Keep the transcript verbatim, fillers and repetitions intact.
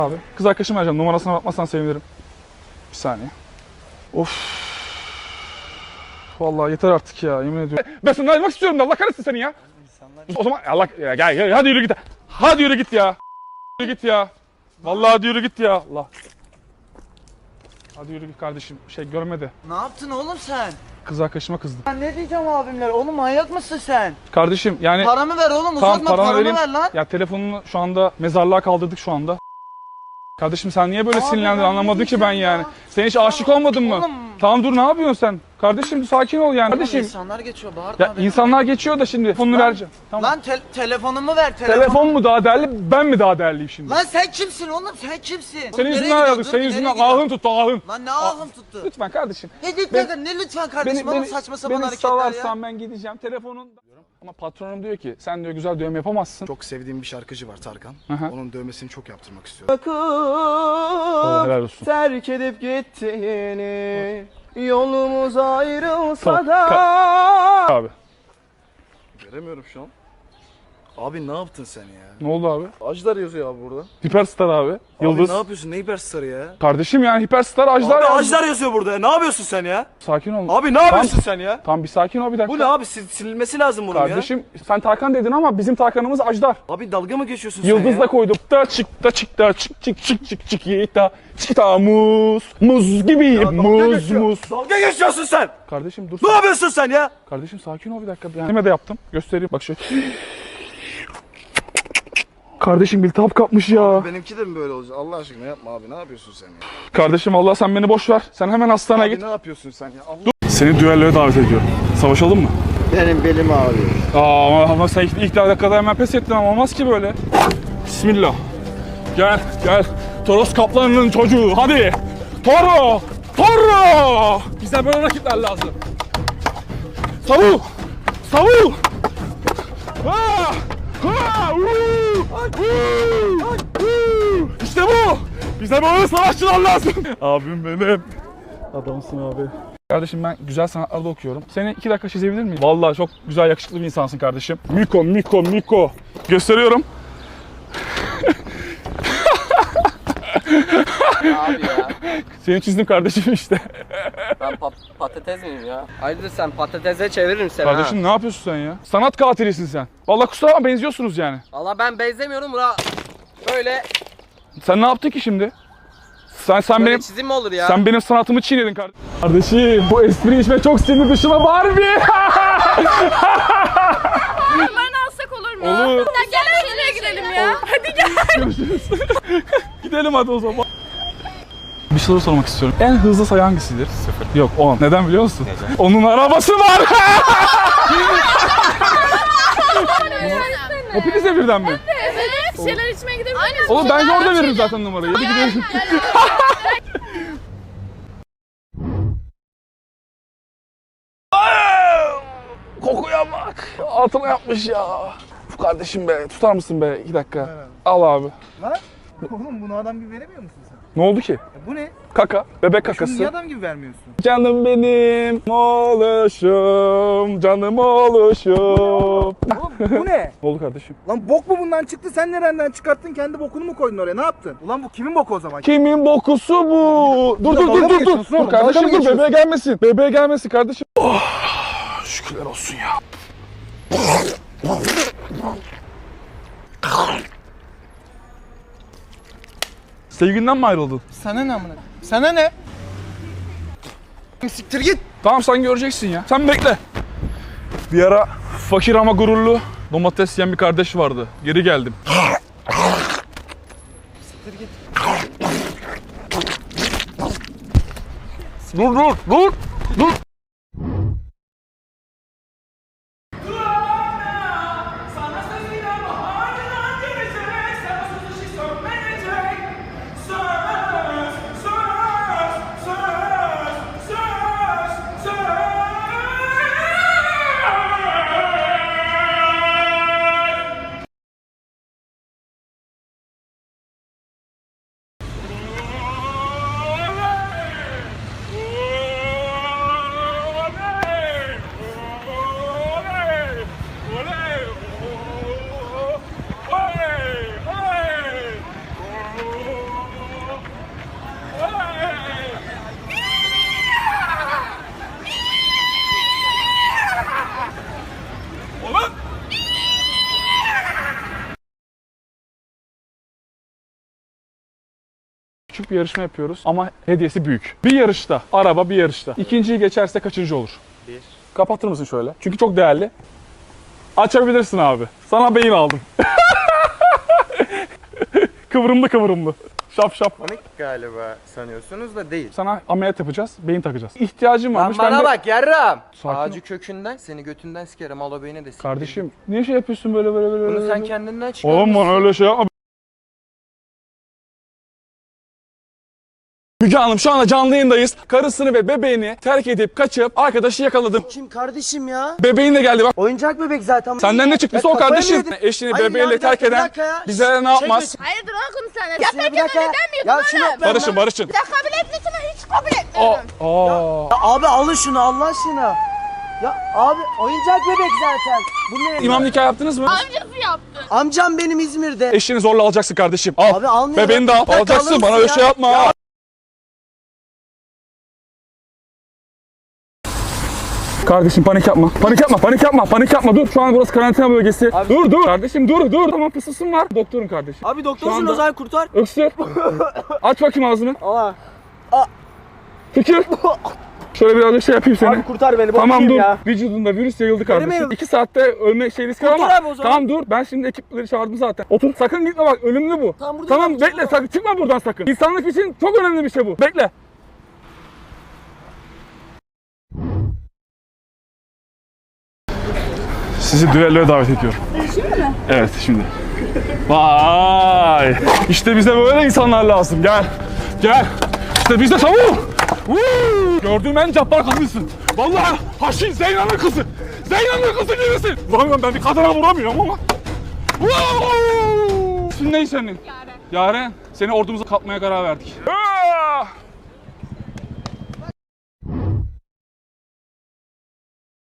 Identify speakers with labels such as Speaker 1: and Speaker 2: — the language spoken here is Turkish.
Speaker 1: Abi kız arkadaşım vereceğim. Numarasına bakmazsan sevinirim. Bir saniye. Of. Vallahi yeter artık ya, yemin ediyorum. Ben senden ayrılmak istiyorum da Allah kahretsin seni ya. O zaman Allah ya, gel gel hadi yürü git. Hadi yürü git ya. Yürü git ya. Vallahi hadi yürü git ya. Allah. Hadi yürü git kardeşim. Şey görmedi.
Speaker 2: Ne yaptın oğlum sen?
Speaker 1: Kız arkadaşıma kızdım.
Speaker 2: Ben ne diyeceğim abimler? Oğlum manyak mısın sen?
Speaker 1: Kardeşim yani
Speaker 2: Paramı ver oğlum,
Speaker 1: tamam,
Speaker 2: uzatma, paramı
Speaker 1: vereyim.
Speaker 2: ver lan.
Speaker 1: Ya telefonunu şu anda mezarlığa kaldırdık şu anda. Kardeşim sen niye böyle
Speaker 2: Abi
Speaker 1: sinirlendin
Speaker 2: ben
Speaker 1: anlamadım
Speaker 2: ne
Speaker 1: ki ben
Speaker 2: diyeceğim
Speaker 1: yani.
Speaker 2: ya?
Speaker 1: Sen hiç aşık olmadın mı?
Speaker 2: Oğlum.
Speaker 1: Tamam dur, ne yapıyorsun sen? Kardeşim sakin ol yani. Kardeşim.
Speaker 2: İnsanlar geçiyor, bağırma
Speaker 1: Ya
Speaker 2: beni.
Speaker 1: insanlar geçiyor da şimdi telefonunu
Speaker 2: Lan-
Speaker 1: vereceğim. Tamam.
Speaker 2: Lan te- telefonumu ver, telefon.
Speaker 1: Telefon mu daha değerli, ben mi daha değerliyim şimdi?
Speaker 2: Lan sen kimsin oğlum, sen kimsin? Oğlum
Speaker 1: Senin
Speaker 2: nereye
Speaker 1: yüzünden
Speaker 2: gidiyorsun?
Speaker 1: aradık,
Speaker 2: Dur,
Speaker 1: senin
Speaker 2: nereye
Speaker 1: yüzünden
Speaker 2: gidiyorsun?
Speaker 1: ahın tuttu ahın.
Speaker 2: Lan ne ahım tuttu?
Speaker 1: Lütfen kardeşim.
Speaker 2: Ne lütfen, ne lütfen kardeşim, oğlum saçma sapan
Speaker 1: beni
Speaker 2: hareketler ya.
Speaker 1: salarsan ben gideceğim telefonun. Ama patronum diyor ki sen diyor güzel dövme yapamazsın.
Speaker 3: Çok sevdiğim bir şarkıcı var, Tarkan.
Speaker 1: Aha.
Speaker 3: Onun dövmesini çok yaptırmak istiyorum.
Speaker 1: Oo, helal olsun.
Speaker 2: Terk edip gittiğini, yolumuz ayrılsa
Speaker 1: Tamam,
Speaker 2: da.
Speaker 1: Abi
Speaker 3: Göremiyorum şu an. Abi ne yaptın sen ya?
Speaker 1: ne oldu abi?
Speaker 3: Ajdar yazıyor abi burada.
Speaker 1: Hiperstar abi. Yıldız.
Speaker 3: Abi ne yapıyorsun? Ne hiperstarı ya?
Speaker 1: Kardeşim yani Hiperstar Ajdar
Speaker 3: Abi
Speaker 1: yazdı.
Speaker 3: Ajdar yazıyor burada. Ne yapıyorsun sen ya?
Speaker 1: Sakin ol.
Speaker 3: Abi ne yapıyorsun sen ya?
Speaker 1: Tamam bir sakin ol bir dakika.
Speaker 3: Bu ne abi? Sil- silinmesi lazım bunun ya.
Speaker 1: Kardeşim sen Tarkan dedin ama bizim Tarkan'ımız Ajdar.
Speaker 3: Abi dalga mı geçiyorsun sen
Speaker 1: Yıldız
Speaker 3: ya?
Speaker 1: da koyduk da çık da çık da çık çık çık çık çık yita çıta muz muz gibiyim
Speaker 3: dalga
Speaker 1: muz
Speaker 3: geçiyor.
Speaker 1: muz.
Speaker 3: Dalga geçiyorsun sen.
Speaker 1: Kardeşim dur.
Speaker 3: Ne yapıyorsun sen ya?
Speaker 1: Kardeşim sakin ol bir dakika. Kendime de yaptım. Göstereyim bak şöyle. Kardeşim iltihap kapmış ya.
Speaker 3: Benimki de mi böyle olacak? Allah aşkına yapma abi. Ne yapıyorsun sen ya?
Speaker 1: Kardeşim Allah sen beni boş ver. Sen hemen hastaneye
Speaker 3: Abi
Speaker 1: git.
Speaker 3: ne yapıyorsun sen ya? Allah...
Speaker 1: Seni düelloya davet ediyorum. Savaşalım mı?
Speaker 2: Benim belim ağrıyor.
Speaker 1: Aa ama, ama sen ilk, ilk dakikada hemen pes ettin ama olmaz ki böyle. Bismillah. Gel gel. Toros Kaplanı'nın çocuğu hadi. Toro. Toro. Bize böyle rakipler lazım. Savul. Savul. Ha. Ha. Uuu. Uuu. Uuu. İşte bu. Bize böyle savaşçılar lazım. Abim benim. Adamsın abi. Kardeşim ben güzel sanatlarda okuyorum. Seni iki dakika çizebilir miyim? Vallahi çok güzel yakışıklı bir insansın kardeşim. Miko, Miko, Miko. Gösteriyorum.
Speaker 4: Abi ya,
Speaker 1: Seni çizdim kardeşim işte.
Speaker 4: ben pa- patates miyim ya? Hayırdır sen patatese çeviririm seni
Speaker 1: Kardeşim
Speaker 4: ha.
Speaker 1: ne yapıyorsun sen ya? Sanat katilisin sen. Vallahi kusura bakma benziyorsunuz yani.
Speaker 4: Valla ben benzemiyorum buna. Böyle,
Speaker 1: Sen ne yaptın ki şimdi? Sen sen
Speaker 4: böyle
Speaker 1: benim
Speaker 4: çizim mi olur ya?
Speaker 1: sen benim sanatımı çiğnedin kardeşim. Kardeşim bu espri içme çok sinir dışıma Barbie.
Speaker 5: Ben alsak olur mu?
Speaker 1: Olur.
Speaker 5: Ya gel şuraya gidelim ya. Hadi gel.
Speaker 1: Görüşürüz. Gidelim hadi o zaman. Bir soru sormak istiyorum. En hızlı sayı hangisidir? Sıfır. Yok on. Neden biliyor musun? Neden? Onun arabası var. Hepinize birden mi?
Speaker 5: Evet. Bir şeyler içmeye gidebilir miyiz?
Speaker 1: Oğlum bence orada veririm zaten numarayı. Hadi gidelim. Kokuya bak. Altına yapmış ya. Uf kardeşim be. Tutar mısın be? İki dakika. Al abi.
Speaker 6: Lan oğlum bunu adam gibi veremiyor musun sen?
Speaker 1: Ne oldu ki?
Speaker 6: Ya bu ne?
Speaker 1: Kaka. Bebek
Speaker 6: Şunu niye
Speaker 1: kakası.
Speaker 6: adam gibi vermiyorsun?
Speaker 1: Canım benim oluşum. Canım oluşum.
Speaker 6: Oğlum bu ne?
Speaker 1: Ne oldu kardeşim?
Speaker 6: Lan bok mu bundan çıktı? Sen nereden çıkarttın? Kendi bokunu mu koydun oraya? Ne yaptın? Ulan bu kimin boku o zaman?
Speaker 1: Kimin bokusu bu? Dur dur
Speaker 6: dalga
Speaker 1: dur
Speaker 6: mı
Speaker 1: dur dur.
Speaker 6: geçiyorsun
Speaker 1: Dur
Speaker 6: oğlum? Dalga
Speaker 1: kardeşim
Speaker 6: mı
Speaker 1: dur
Speaker 6: geçiyorsun?
Speaker 1: bebeğe gelmesin. Bebeğe gelmesin kardeşim. Oh, şükürler olsun ya. Sevgilinden mi ayrıldın?
Speaker 6: Sana ne amına? Sana ne? Siktir git.
Speaker 1: Tamam sen göreceksin ya. Sen bekle. Bir ara fakir ama gururlu domates yiyen bir kardeş vardı. Geri geldim.
Speaker 6: Siktir git.
Speaker 1: Dur dur dur dur. Küçük bir yarışma yapıyoruz ama hediyesi büyük. Bir yarışta, araba bir yarışta. İkinciyi geçerse kaçıncı olur? Bir. Kapatır mısın şöyle? Çünkü çok değerli. Açabilirsin abi. Sana beyin aldım. Kıvrımlı kıvrımlı. Şap şap.
Speaker 2: Panik galiba sanıyorsunuz da değil.
Speaker 1: Sana ameliyat yapacağız, beyin takacağız. İhtiyacım
Speaker 2: Lan
Speaker 1: varmış.
Speaker 2: bana
Speaker 1: ben de-
Speaker 2: bak yarram.
Speaker 1: Sakin ol.
Speaker 2: Ağacı kökünden seni götünden sikerim al o beyni de sikerim.
Speaker 1: Kardeşim niye şey yapıyorsun böyle böyle böyle?
Speaker 2: Bunu
Speaker 1: böyle?
Speaker 2: sen kendinden çıkarmışsın.
Speaker 1: Oğlum bana öyle şey yapma. Müge Hanım şu anda canlı yayındayız. Karısını ve bebeğini terk edip kaçıp arkadaşı yakaladım.
Speaker 2: Kim kardeşim ya?
Speaker 1: Senden de geldi bak.
Speaker 2: Oyuncak bebek zaten.
Speaker 1: Senden ne çıktıysa
Speaker 2: Ya
Speaker 1: o
Speaker 2: kafayı mı
Speaker 1: kardeşim.
Speaker 2: yedin?
Speaker 1: Eşini
Speaker 2: Hayır ya,
Speaker 1: bebeğiyle
Speaker 2: bir dakika,
Speaker 1: terk
Speaker 2: bir
Speaker 1: eden
Speaker 2: dakika ya.
Speaker 1: bize ne yapmaz?
Speaker 5: Hayır dur oğlum sen.
Speaker 2: Ya
Speaker 5: Yaparken
Speaker 2: bir dakika.
Speaker 5: neden mi
Speaker 2: Ya
Speaker 5: yapıyorsun
Speaker 2: şunu
Speaker 5: oğlum?
Speaker 2: ben-
Speaker 1: Barışın barışın.
Speaker 5: Ya kabul etmiyorsun ben hiç kabul
Speaker 1: Aa,
Speaker 5: etmiyorum.
Speaker 1: aa.
Speaker 2: Ya abi alın şunu Allah aşkına. Ya abi oyuncak bebek zaten. Bu ne?
Speaker 1: İmam nikah yaptınız mı?
Speaker 5: Amcası yaptı.
Speaker 2: Amcam benim İzmir'de.
Speaker 1: Eşini zorla alacaksın kardeşim. Al.
Speaker 2: Abi almıyorum.
Speaker 1: Bebeğini de al.
Speaker 2: Bir dakika,
Speaker 1: Alacaksın
Speaker 2: alır
Speaker 1: bana
Speaker 2: mısın
Speaker 1: öyle
Speaker 2: ya?
Speaker 1: şey yapma.
Speaker 2: Ya.
Speaker 1: Kardeşim panik yapma. Panik yapma, panik yapma, panik yapma. Dur şu an burası karantina bölgesi. Dur dur. Kardeşim dur dur. Tamam fısılsın var. Doktorum kardeşim.
Speaker 2: Abi
Speaker 1: Şu
Speaker 2: doktorsun
Speaker 1: anda-
Speaker 2: o zaman kurtar.
Speaker 1: Öksür. Aç bakayım ağzını.
Speaker 2: Allah.
Speaker 1: Tükür. Şöyle birazcık şey yapayım seni.
Speaker 2: Abi kurtar beni.
Speaker 1: Tamam
Speaker 2: bakayım
Speaker 1: dur.
Speaker 2: ya.
Speaker 1: Vücudunda virüs yayıldı kardeşim.
Speaker 2: yayıldı?
Speaker 1: İki saatte ölme şey riski var
Speaker 2: Kurtar
Speaker 1: ama.
Speaker 2: abi o zaman.
Speaker 1: Tamam dur. Ben şimdi ekipleri çağırdım zaten. Otur. Sakın gitme bak. Ölümlü bu.
Speaker 2: Tamam, burada
Speaker 1: Tamam
Speaker 2: bak,
Speaker 1: bekle.
Speaker 2: burada.
Speaker 1: Sakın çıkma buradan sakın. İnsanlık için çok önemli bir şey bu. Bekle. Sizi düelloya davet ediyorum. Şimdi mi? Evet şimdi. Vay! İşte bize böyle insanlar lazım. Gel. Gel. İşte bize savun. Woo! Gördüğüm en cabbar kadınsın. Vallahi Haşin Zeyna'nın kızı. Zeyna'nın kızı gibisin. Ulan ben bir kadına vuramıyorum ama. Wow! İsmin ne senin? Yaren. Yaren. Seni ordumuza katmaya karar verdik.